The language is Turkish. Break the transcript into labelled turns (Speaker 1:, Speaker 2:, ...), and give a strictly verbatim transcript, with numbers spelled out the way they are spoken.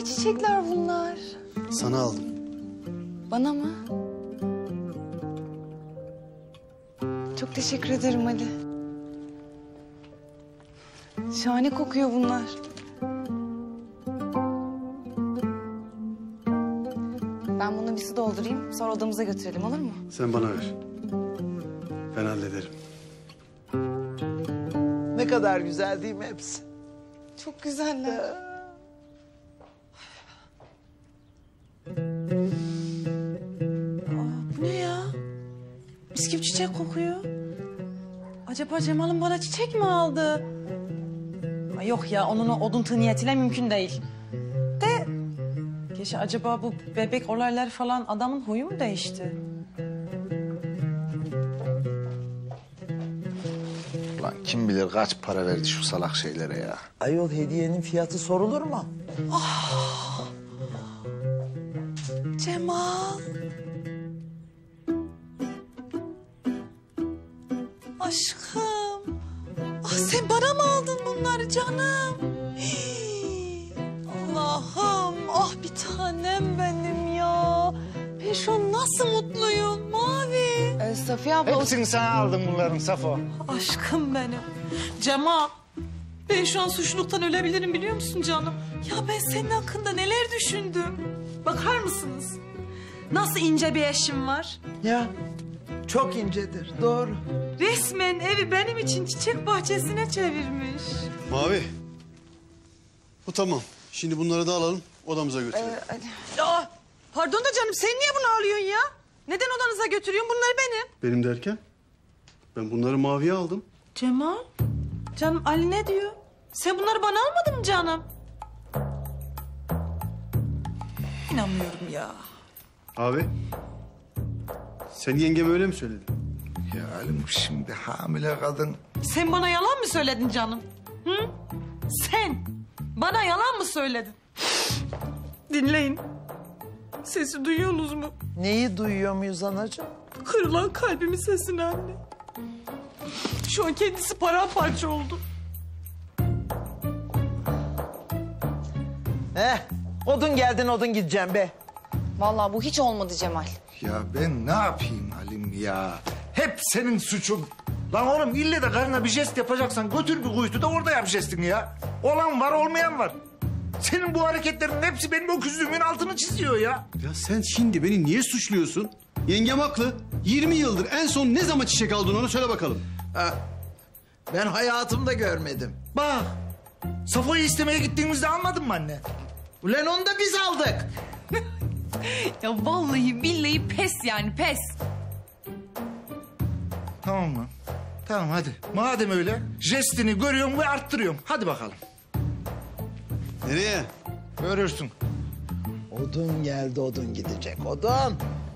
Speaker 1: çiçekler bunlar?
Speaker 2: Sana aldım.
Speaker 1: Bana mı? Çok teşekkür ederim Ali. Şahane kokuyor bunlar. Ben bunu bir su doldurayım, sonra odamıza götürelim, olur mu?
Speaker 2: Sen bana ver. Ben hallederim.
Speaker 3: Ne kadar güzel değil mi hepsi?
Speaker 1: Çok güzeller.
Speaker 4: Bu ne ya? Mis gibi çiçek kokuyor. Acaba Cemal'im bana çiçek mi aldı? Ay yok ya, onun o odun tığ niyetiyle mümkün değil. De... Geçe acaba bu bebek olayları falan adamın huyu mu değişti?
Speaker 5: Lan kim bilir kaç para verdi şu salak şeylere ya.
Speaker 3: Ayol hediyenin fiyatı sorulur mu?
Speaker 4: Cemal. Aşkım. Ah, sen bana mı aldın bunları canım? Hii. Allah'ım. Ah bir tanem benim ya. Ben şu an nasıl mutluyum Mavi.
Speaker 1: Ee, Safiye abla... o-
Speaker 5: Hepsini sana aldım bunların Safo.
Speaker 4: Aşkım benim. Cemal. Ben şu an suçluluktan ölebilirim biliyor musun canım? Ya ben senin hakkında neler düşündüm. Bakar mısınız? Nasıl ince bir eşim var.
Speaker 3: Ya çok incedir, doğru.
Speaker 4: Resmen evi benim için çiçek bahçesine çevirmiş.
Speaker 2: Mavi. Bu tamam. Şimdi bunları da alalım, odamıza götürelim.
Speaker 1: Ee, Ali.
Speaker 4: Ya pardon da canım, sen niye bunu alıyorsun ya? Neden odanıza götürüyorsun? Bunlar benim.
Speaker 2: Benim derken? Ben bunları Mavi'ye aldım.
Speaker 4: Cemal, canım Ali ne diyor? Sen bunları bana almadın mı canım? İnanmıyorum ya.
Speaker 2: Abi. Sen yengeme öyle mi söyledin?
Speaker 5: Ya Halim şimdi hamile kadın.
Speaker 4: Sen bana yalan mı söyledin canım? Hı? Sen bana yalan mı söyledin? Dinleyin. Sesi duyuyorsunuz mu?
Speaker 3: Neyi duyuyor muyuz anacığım?
Speaker 4: Kırılan kalbimin sesini anne. Şu an kendisi paramparça oldu.
Speaker 3: Heh, odun geldin odun gideceğim be.
Speaker 1: Vallahi bu hiç olmadı Cemal.
Speaker 5: Ya ben ne yapayım Halim ya? Hep senin suçun. Lan oğlum ille de karına bir jest yapacaksan götür bir kuytu da orada yap jestini ya. Olan var olmayan var. Senin bu hareketlerin hepsi benim öküzlüğümün altını çiziyor ya.
Speaker 2: Ya sen şimdi beni niye suçluyorsun? Yengem haklı. yirmi yıldır en son ne zaman çiçek aldın onu söyle bakalım.
Speaker 3: Ha, ben hayatımda görmedim.
Speaker 5: Bak Safo'yu istemeye gittiğimizde almadın mı anne?
Speaker 3: Ulan onu da biz aldık.
Speaker 6: Ya vallahi billahi pes yani pes.
Speaker 5: Tamam mı? Tamam hadi. Madem öyle jestini görüyorum ve arttırıyorum. Hadi bakalım.
Speaker 2: Nereye?
Speaker 5: Görürsün.
Speaker 3: Odun geldi odun gidecek odun.